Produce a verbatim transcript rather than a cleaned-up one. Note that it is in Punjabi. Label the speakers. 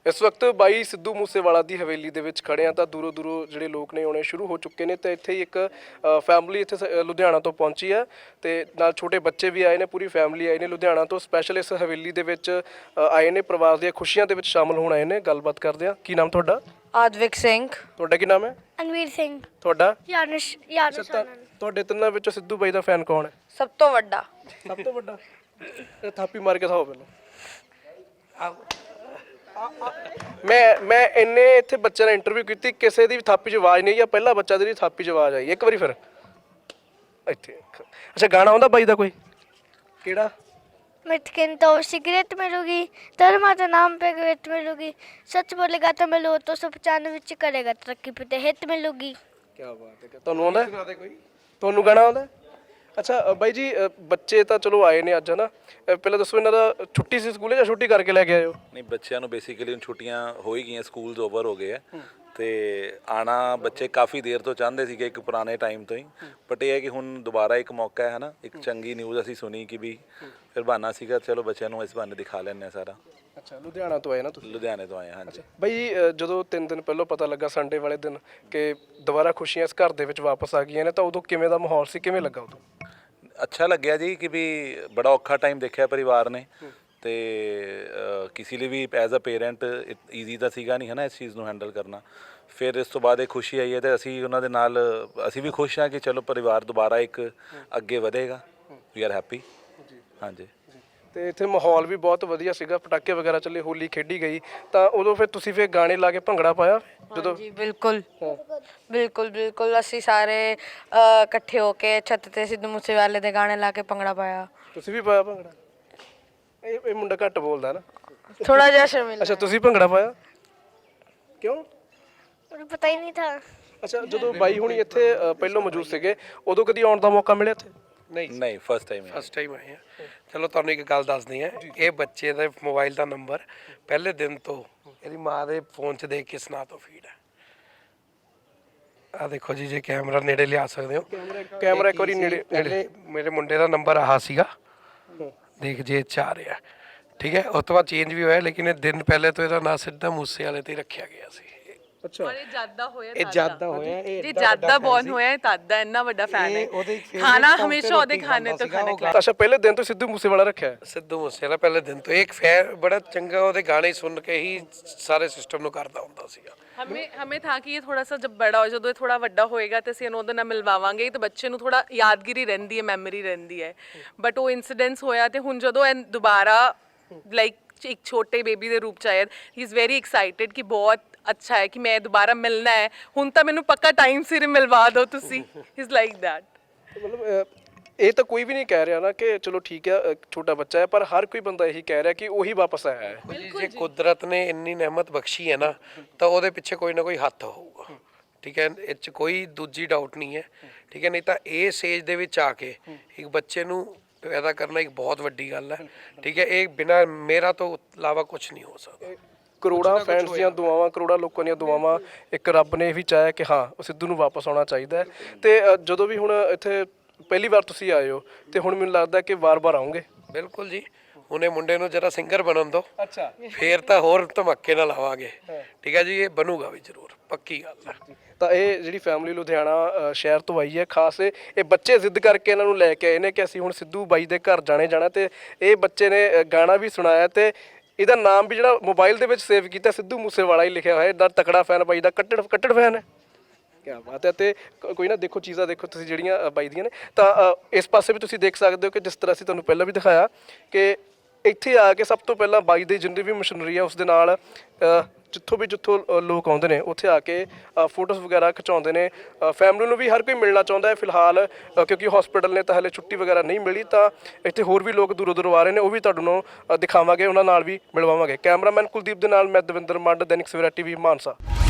Speaker 1: इस वक्त बाई सिद्धू मूसेवाला की हवेली दे विच खड़े हैं तो दूरों दूरों ਜਿਹੜੇ ਲੋਕ ਨੇ ਆਉਣੇ ਸ਼ੁਰੂ ਹੋ ਚੁੱਕੇ ਨੇ ਤੇ ਇੱਥੇ ਹੀ ਇੱਕ ਫੈਮਿਲੀ ਇੱਥੇ ਸ- ਲੁਧਿਆਣਾ ਤੋਂ ਪਹੁੰਚੀ ਹੈ ਤੇ ਨਾਲ ਛੋਟੇ ਬੱਚੇ ਵੀ ਆਏ ਨੇ ਪੂਰੀ ਫੈਮਿਲੀ ਆਈ ਨੇ ਲੁਧਿਆਣਾ ਤੋਂ ਸਪੈਸ਼ਲ ਇਸ ਹਵੇਲੀ ਦੇ ਵਿੱਚ ਅ, ਆਏ ਨੇ ਪਰਿਵਾਰ ਦੀਆਂ ਖੁਸ਼ੀਆਂ ਦੇ ਵਿੱਚ ਸ਼ਾਮਲ ਹੋਣ ਆਏ ਨੇ ਗੱਲਬਾਤ ਕਰਦੇ ਆ ਕੀ ਨਾਮ ਤੁਹਾਡਾ
Speaker 2: ਆਦਵਿਕ ਸਿੰਘ
Speaker 1: ਤੁਹਾਡਾ ਕੀ ਨਾਮ ਹੈ
Speaker 3: ਅਨਵੀਰ ਸਿੰਘ
Speaker 1: ਤੁਹਾਡਾ
Speaker 3: ਯਾਨੁਸ਼ ਯਾਨੁਸ਼
Speaker 1: ਅੱਛਾ, ਤਾਂ ਤੁਹਾਡੇ ਤਿੰਨਾਂ ਵਿੱਚੋਂ ਸਿੱਧੂ ਬਾਈ ਦਾ ਫੈਨ ਕੌਣ ਹੈ
Speaker 2: ਸਭ ਤੋਂ ਵੱਡਾ
Speaker 1: ਸਭ ਤੋਂ ਵੱਡਾ ਇਹ ਥਾਪੀ ਮਾਰ ਕੇ ਦਿਖਾਓ ਪਹਿਲਾਂ ਮੈਂ ਮੈਂ ਇੰਨੇ ਇੱਥੇ ਬੱਚਿਆਂ ਨਾਲ ਇੰਟਰਵਿਊ ਕੀਤੀ ਕਿਸੇ ਦੀ ਵੀ ਥਾਪੀ 'ਚ ਆਵਾਜ਼ ਨਹੀਂ ਆ ਪਹਿਲਾ ਬੱਚਾ ਦੀ ਥਾਪੀ 'ਚ ਆਵਾਜ਼ ਆਈ ਇੱਕ ਵਾਰੀ ਫਿਰ ਇੱਥੇ ਅੱਛਾ ਗਾਣਾ ਆਉਂਦਾ ਬਾਈ ਦਾ ਕੋਈ ਕਿਹੜਾ
Speaker 3: मिटकिन तो सिगरेट मिलूगी धर्मा का नाम पे ग्रेट मिलूगी सच बोलेगा तो मिलो तो सौ पचानवे विच करेगा तरक्की पे हिट मिलूगी
Speaker 1: ਕੀ ਬਾਤ ਹੈ ਤੁਹਾਨੂੰ ਆਉਂਦਾ ਤੁਹਾਨੂੰ ਗਾਣਾ ਆਉਂਦਾ ਅੱਛਾ ਅ, ਬਾਈ ਜੀ ਅ, ਬੱਚੇ ਤਾਂ ਚਲੋ ਆਏ ਨੇ ਅੱਜ ਹਨਾ ਅ, ਪਹਿਲਾਂ ਦੱਸੋ ਇਹਨਾਂ ਦਾ ਛੁੱਟੀ ਸੀ ਸਕੂਲੇ ਜਾਂ ਛੁੱਟੀ ਕਰਕੇ ਲੈ ਕੇ ਆਏ ਹੋ
Speaker 4: ਨਹੀਂ ਬੱਚਿਆਂ ਨੂੰ ਬੇਸਿਕਲੀ ਹੁਣ ਛੁੱਟੀਆਂ ਹੋ ਹੀ ਗਈਆਂ ਸਕੂਲਸ ਓਵਰ ਹੋ ਗਏ ਆ ਤੇ ਆਣਾ ਬੱਚੇ ਕਾਫੀ ਦੇਰ ਤੋਂ ਚਾਹੁੰਦੇ ਸੀਗੇ ਇੱਕ ਪੁਰਾਣੇ ਟਾਈਮ ਤੋਂ ਹੀ ਬਟ ਇਹ ਹੈ ਕਿ ਹੁਣ ਦੁਬਾਰਾ ਇੱਕ ਮੌਕਾ ਹੈ ਹਨਾ ਇੱਕ ਚੰਗੀ ਨਿਊਜ਼ ਅਸੀਂ ਸੁਣੀ ਕਿ ਵੀ ਫਿਰ ਬਹਾਨਾ ਸੀਗਾ ਚਲੋ ਬੱਚਿਆਂ ਨੂੰ ਇਸ ਬਹਾਨੇ ਦਿਖਾ ਲੈਂਦੇ ਆ ਸਾਰਾ
Speaker 1: ਅੱਛਾ ਲੁਧਿਆਣਾ ਤੋਂ ਆਏ ਨਾ ਤੁਸੀਂ
Speaker 4: ਲੁਧਿਆਣੇ ਤੋਂ ਆਏ ਹਾਂ ਹਾਂਜੀ
Speaker 1: ਬਈ ਅ, ਜਦੋਂ ਤਿੰਨ ਦਿਨ ਪਹਿਲਾਂ ਪਤਾ ਲੱਗਾ ਸੰਡੇ ਵਾਲੇ ਦਿਨ ਕਿ ਦੁਬਾਰਾ ਖੁਸ਼ੀਆਂ ਇਸ ਘਰ ਦੇ ਵਿੱਚ ਵਾਪਸ ਆ ਗਈਆਂ ਨੇ ਤਾਂ ਉਦੋਂ ਕਿਵੇਂ ਦਾ ਮਾਹੌਲ ਸੀ ਕਿਵੇਂ ਲੱਗਾ ਉਦੋਂ
Speaker 4: ਅੱਛਾ ਲੱਗਿਆ ਜੀ ਕਿ ਵੀ ਬੜਾ ਔਖਾ ਟਾਈਮ ਦੇਖਿਆ ਪਰਿਵਾਰ ਨੇ ਤੇ ਅ, ਕਿਸੇ ਲਈ ਵੀ ਐਜ਼ ਅ ਪੇਰੈਂਟ ਈਜ਼ੀ ਤਾਂ ਸੀਗਾ ਨਹੀਂ ਹੈ ਨਾ ਇਸ ਚੀਜ਼ ਨੂੰ ਹੈਂਡਲ ਕਰਨਾ ਫਿਰ ਇਸ ਤੋਂ ਬਾਅਦ ਇਹ ਖੁਸ਼ੀ ਆਈ ਹੈ ਤੇ ਅਸੀਂ ਉਹਨਾਂ ਦੇ ਨਾਲ ਅਸੀਂ ਵੀ ਖੁਸ਼ ਹਾਂ ਕਿ ਚਲੋ ਪਰਿਵਾਰ ਦੁਬਾਰਾ ਇੱਕ ਅੱਗੇ ਵਧੇਗਾ ਵੀ ਆਰ ਹੈਪੀ ਹਾਂਜੀ
Speaker 1: ਤੇ ਇੱਥੇ ਮਾਹੌਲ ਵੀ ਬਹੁਤ ਵਧੀਆ ਸੀਗਾ ਪਟਾਕੇ ਵਗੈਰਾ ਚੱਲੇ ਹੋਲੀ ਖੇਡੀ ਗਈ ਤਾਂ ਉਦੋਂ ਫਿਰ ਤੁਸੀਂ ਫਿਰ ਗਾਣੇ ਲਾ ਕੇ ਭੰਗੜਾ ਪਾਇਆ ਜਦੋਂ
Speaker 2: ਜੀ ਬਿਲਕੁਲ ਬਿਲਕੁਲ ਬਿਲਕੁਲ ਅਸੀਂ ਸਾਰੇ ਅ, ਇਕੱਠੇ ਹੋ ਕੇ ਛੱਤ ਤੇ ਸਿੱਧੂ ਮੂਸੇਵਾਲੇ ਦੇ ਗਾਣੇ ਲਾ ਕੇ ਭੰਗੜਾ ਪਾਇਆ
Speaker 1: ਤੁਸੀਂ ਵੀ ਪਾਇਆ ਭੰਗੜਾ ਇਹ ਇਹ ਮੁੰਡਾ ਘੱਟ ਬੋਲਦਾ ਨਾ
Speaker 2: ਥੋੜਾ ਜਿਹਾ ਸ਼ਰਮਿਲ
Speaker 1: ਅੱਛਾ ਤੁਸੀਂ ਭੰਗੜਾ ਪਾਇਆ ਕਿਉਂ
Speaker 3: मुझे पता ही नहीं था
Speaker 1: ਅੱਛਾ ਜਦੋਂ ਬਾਈ ਹੁਣੀ ਇੱਥੇ ਅ, ਪਹਿਲੋਂ ਮੌਜੂਦ ਸੀਗੇ ਉਦੋਂ ਕਦੀ ਆਉਣ ਦਾ ਮੌਕਾ ਮਿਲਿਆ ਇੱਥੇ
Speaker 5: ਨਹੀਂ
Speaker 4: ਨਹੀਂ ਫਸਟ ਟਾਈਮ
Speaker 5: ਫਸਟ ਟਾਈਮ ਆਏ ਆ ਚਲੋ ਤੁਹਾਨੂੰ ਇੱਕ ਗੱਲ ਦੱਸਦੀ ਆ ਇਹ ਬੱਚੇ ਦਾ ਮੋਬਾਈਲ ਦਾ ਨੰਬਰ ਪਹਿਲੇ ਦਿਨ ਤੋਂ ਇਹਦੀ ਮਾਂ ਦੇ ਫੋਨ 'ਚ ਦੇਖ ਕੇ ਸੁਣਾ ਤੋਂ ਫੀਡ ਹੈ ਆ ਦੇਖੋ ਜੀ ਜੇ ਕੈਮਰਾ ਨੇੜੇ ਲਿਆ ਸਕਦੇ ਹੋ
Speaker 1: ਕੈਮਰਾ ਇੱਕ ਵਾਰੀ ਨੇੜੇ
Speaker 5: ਪਹਿਲੇ ਮੇਰੇ ਮੁੰਡੇ ਦਾ ਨੰਬਰ ਆਹ ਸੀਗਾ ਦੇਖ ਜੇ ਚ ਆ ਰਿਹਾ ਠੀਕ ਹੈ ਉਸ ਤੋਂ ਬਾਅਦ ਚੇਂਜ ਵੀ ਹੋਇਆ ਲੇਕਿਨ ਇਹ ਦਿਨ ਪਹਿਲੇ ਤੋਂ ਇਹਦਾ ਨਾਂ ਸਿੱਧਾ ਮੂਸੇ ਵਾਲੇ ਤੇ ਹੀ ਰੱਖਿਆ ਗਿਆ ਸੀ
Speaker 1: ਅੱਛਾ
Speaker 6: ਇਹ ਜਾਦਾ ਹੋਇਆ
Speaker 5: ਇਹ ਜਿਆਦਾ ਹੋਇਆ ਇਹ
Speaker 6: ਜੀ ਜਾਦਾ ਬੌਨ ਹੋਇਆ ਹੈ ਤਦ ਦਾ ਇੰਨਾ ਵੱਡਾ ਫੈਨ ਹੈ
Speaker 5: ਉਹਦੇ favorite
Speaker 6: ਖਾਣਾ
Speaker 5: song ਤੇ
Speaker 6: ਹਮੇਸ਼ਾ ਉਹਦੇ
Speaker 5: ਰੋਟੀ
Speaker 6: ਖਾਣੇ
Speaker 5: ਖਾਂਦਾ
Speaker 6: ਤੋਂ
Speaker 5: ਸੀਗਾ,
Speaker 6: ਖਾਣੇ
Speaker 5: ਉਹ
Speaker 6: ਖਿਲਾਇਆ
Speaker 1: ਅੱਛਾ ਪਹਿਲੇ ਦਿਨ ਤੋਂ ਸਿੱਧੂ ਮੂਸੇਵਾਲਾ ਰੱਖਿਆ ਹੈ
Speaker 5: ਸਿੱਧੂ ਮੂਸੇ ਵਾਲਾ ਪਹਿਲੇ ਦਿਨ ਤੋਂ ਇੱਕ ਫੈਨ ਬੜਾ ਚੰਗਾ ਉਹਦੇ ਗਾਣੇ ਸੁਣ ਕੇ ਹੀ ਸਾਰੇ ਸਿਸਟਮ ਨੂੰ ਕਰਦਾ ਹੁੰਦਾ ਸੀਗਾ
Speaker 6: ਹਮੇ ਹਮੇ ਥਾ ਕਿ ਇਹ ਥੋੜਾ ਸਾ ਜਬ ਬੜਾ ਹੋ ਜਦੋਂ ਇਹ ਥੋੜਾ ਵੱਡਾ ਹੋਏਗਾ ਤੇ ਅਸੀਂ ਇਹਨੂੰ ਉਹਦੇ ਨਾਲ ਮਿਲਵਾਵਾਂਗੇ ਤੇ ਬੱਚੇ ਨੂੰ ਥੋੜਾ ਯਾਦਗਿਰੀ ਰਹਿੰਦੀ ਹੈ ਮੈਮਰੀ ਰਹਿੰਦੀ ਹੈ ਬਟ ਉਹ ਇਨਸੀਡੈਂਟਸ ਹੋਇਆ ਤੇ ਹੁਣ ਜਦੋਂ ਇਹ ਦੁਬਾਰਾ ਲਾਈਕ ਇੱਕ ਛੋਟੇ ਬੇਬੀ ਦੇ ਰੂਪ ਚ ਆਇਆ ਹੀ ਇਜ਼ ਵੈਰੀ ਐਕਸਾਈਟਿਡ ਕਿ ਬਹੁਤ ਅੱਛਾ ਹੈ ਕਿ ਮੈਂ ਦੁਬਾਰਾ ਮਿਲਣਾ ਹੈ ਹੁਣ ਤਾਂ ਮੈਨੂੰ ਪੱਕਾ ਟਾਈਮ ਸਿਰ ਮਿਲਵਾ ਦਿਓ ਤੁਸੀਂ ਇਜ਼ ਲਾਈਕ ਦੈਟ
Speaker 1: ਮਤਲਬ ਅ, ਇਹ ਤਾਂ ਕੋਈ ਵੀ ਨਹੀਂ ਕਹਿ ਰਿਹਾ ਨਾ ਕਿ ਚਲੋ ਠੀਕ ਹੈ ਅ, ਛੋਟਾ ਬੱਚਾ ਹੈ ਪਰ ਹਰ ਕੋਈ ਬੰਦਾ ਇਹੀ ਕਹਿ ਰਿਹਾ ਕਿ ਉਹੀ ਵਾਪਸ ਆਇਆ ਹੈ
Speaker 5: ਜੀ ਜੇ ਕੁਦਰਤ ਨੇ ਇੰਨੀ ਨਿਆਮਤ ਬਖਸ਼ੀ ਹੈ ਨਾ ਤਾਂ ਉਹਦੇ ਪਿੱਛੇ ਕੋਈ ਨਾ ਕੋਈ ਹੱਥ ਹੋਊਗਾ ਠੀਕ ਹੈ ਇਹ 'ਚ ਕੋਈ ਦੂਜੀ ਡਾਊਟ ਨਹੀਂ ਹੈ ਠੀਕ ਹੈ ਨਹੀਂ ਤਾਂ ਇਹ ਸੇਜ ਦੇ ਵਿੱਚ ਆ ਕੇ ਇੱਕ ਬੱਚੇ ਨੂੰ ਪੈਦਾ ਕਰਨਾ ਇੱਕ ਬਹੁਤ ਵੱਡੀ ਗੱਲ ਹੈ ਠੀਕ ਹੈ ਇਹ ਬਿਨਾਂ ਮੇਰਾ ਤੋਂ ਇਲਾਵਾ ਕੁਝ ਨਹੀਂ ਹੋ ਸਕਦਾ
Speaker 1: ਕਰੋੜਾਂ ਫੈਨਸ ਦੀਆਂ ਦੁਆਵਾਂ ਕਰੋੜਾਂ ਲੋਕਾਂ ਦੀਆਂ ਦੁਆਵਾਂ ਇੱਕ ਰੱਬ ਨੇ ਇਹ ਵੀ ਚਾਹਿਆ ਕਿ ਹਾਂ ਉਹ ਸਿੱਧੂ ਨੂੰ ਵਾਪਸ ਆਉਣਾ ਚਾਹੀਦਾ ਹੈ ਤੇ ਅ, ਜਦੋਂ ਵੀ ਹੁਣ ਇੱਥੇ ਪਹਿਲੀ ਵਾਰ ਤੁਸੀਂ ਆਏ ਹੋ ਤੇ ਹੁਣ ਮੈਨੂੰ ਲੱਗਦਾ ਕਿ ਵਾਰ-ਵਾਰ ਆਉਂਗੇ
Speaker 5: ਬਿਲਕੁਲ ਜੀ ਉਹਨੇ ਮੁੰਡੇ ਨੂੰ ਜਰਾ ਸਿੰਗਰ ਬਣਨ ਦਿਓ
Speaker 1: ਅੱਛਾ
Speaker 5: ਫੇਰ ਤਾਂ ਹੋਰ ਧਮਾਕੇ ਨਾਲ ਆਵਾਂਗੇ ਠੀਕ ਹੈ ਜੀ ਇਹ ਬਣੂਗਾ ਵੀ ਜ਼ਰੂਰ ਪੱਕੀ ਗੱਲ ਹੈ
Speaker 1: ਤਾਂ ਇਹ ਜਿਹੜੀ ਫੈਮਿਲੀ ਲੁਧਿਆਣਾ ਅ, ਸ਼ਹਿਰ ਤੋਂ ਆਈ ਹੈ ਖਾਸ ਇਹ ਇਹ ਬੱਚੇ ਜ਼ਿੱਦ ਕਰਕੇ ਇਹਨਾਂ ਨੂੰ ਲੈ ਕੇ ਆਏ ਨੇ ਕਿ ਅਸੀਂ ਹੁਣ ਸਿੱਧੂ ਬਾਈ ਦੇ ਘਰ ਜਾਣੇ ਜਾਣਾ ਤੇ ਇਹ ਬੱਚੇ ਨੇ ਅ, ਗਾਣਾ ਵੀ ਸੁਣਾਇਆ ਤੇ ਇਹਦਾ ਨਾਮ ਵੀ ਜਿਹੜਾ ਮੋਬਾਈਲ ਦੇ ਵਿੱਚ ਸੇਵ ਕੀਤਾ ਸਿੱਧੂ ਮੂਸੇਵਾਲਾ ਹੀ ਲਿਖਿਆ ਹੋਇਆ ਇਹਦਾ ਤਕੜਾ ਫੈਨ ਬਾਈ ਦਾ ਕੱਟੜ ਕੱਟੜ ਫੈਨ ਹੈ ਕੀ ਬਾਤ ਹੈ ਤੇ ਕ- ਕੋਈ ਨਾ ਦੇਖੋ ਚੀਜ਼ਾਂ ਦੇਖੋ ਤੁਸੀਂ ਜਿਹੜੀਆਂ ਅ, ਬਾਈ ਦੀਆਂ ਨੇ ਤਾਂ ਅ, ਇਸ ਪਾਸੇ ਵੀ ਤੁਸੀਂ ਦੇਖ ਸਕਦੇ ਹੋ ਕਿ ਜਿਸ ਤਰ੍ਹਾਂ ਅਸੀਂ ਤੁਹਾਨੂੰ ਪਹਿਲਾਂ ਵੀ ਦਿਖਾਇਆ ਕਿ ਇੱਥੇ ਆ ਕੇ ਸਭ ਤੋਂ ਪਹਿਲਾਂ ਬਾਈ ਦੀ ਜਿੰਨੀ ਵੀ ਮਸ਼ੀਨਰੀ ਆ ਉਸ ਦੇ ਨਾਲ ਅ, ਜਿੱਥੋਂ ਵੀ ਜਿੱਥੋਂ ਅ, ਲੋਕ ਆਉਂਦੇ ਨੇ ਉੱਥੇ ਆ ਕੇ ਫੋਟੋਜ਼ ਵਗੈਰਾ ਖਿਚਾਉਂਦੇ ਨੇ ਫੈਮਿਲੀ ਨੂੰ ਵੀ ਹਰ ਕੋਈ ਮਿਲਣਾ ਚਾਹੁੰਦਾ ਹੈ ਫਿਲਹਾਲ ਅ, ਕਿਉਂਕਿ ਹਸਪੀਟਲ ਨੇ ਤਾਂ ਹਲੇ ਛੁੱਟੀ ਵਗੈਰਾ ਨਹੀਂ ਮਿਲੀ ਤਾਂ ਇੱਥੇ ਹੋਰ ਵੀ ਲੋਕ ਦੂਰੋਂ ਦੂਰੋਂ ਆ ਰਹੇ ਨੇ ਉਹ ਵੀ ਤੁਹਾਨੂੰ ਅ, ਦਿਖਾਵਾਂਗੇ ਉਹਨਾਂ ਨਾਲ ਵੀ ਮਿਲਵਾਵਾਂਗੇ ਕੈਮਰਾਮੈਨ ਕੁਲਦੀਪ ਦੇ ਨਾਲ ਮੈਂ ਦਵਿੰਦਰ ਮੰਡ ਦੈਨਿਕ ਸਵੇਰਾ ਟੀਵੀ ਮਾਨਸਾ।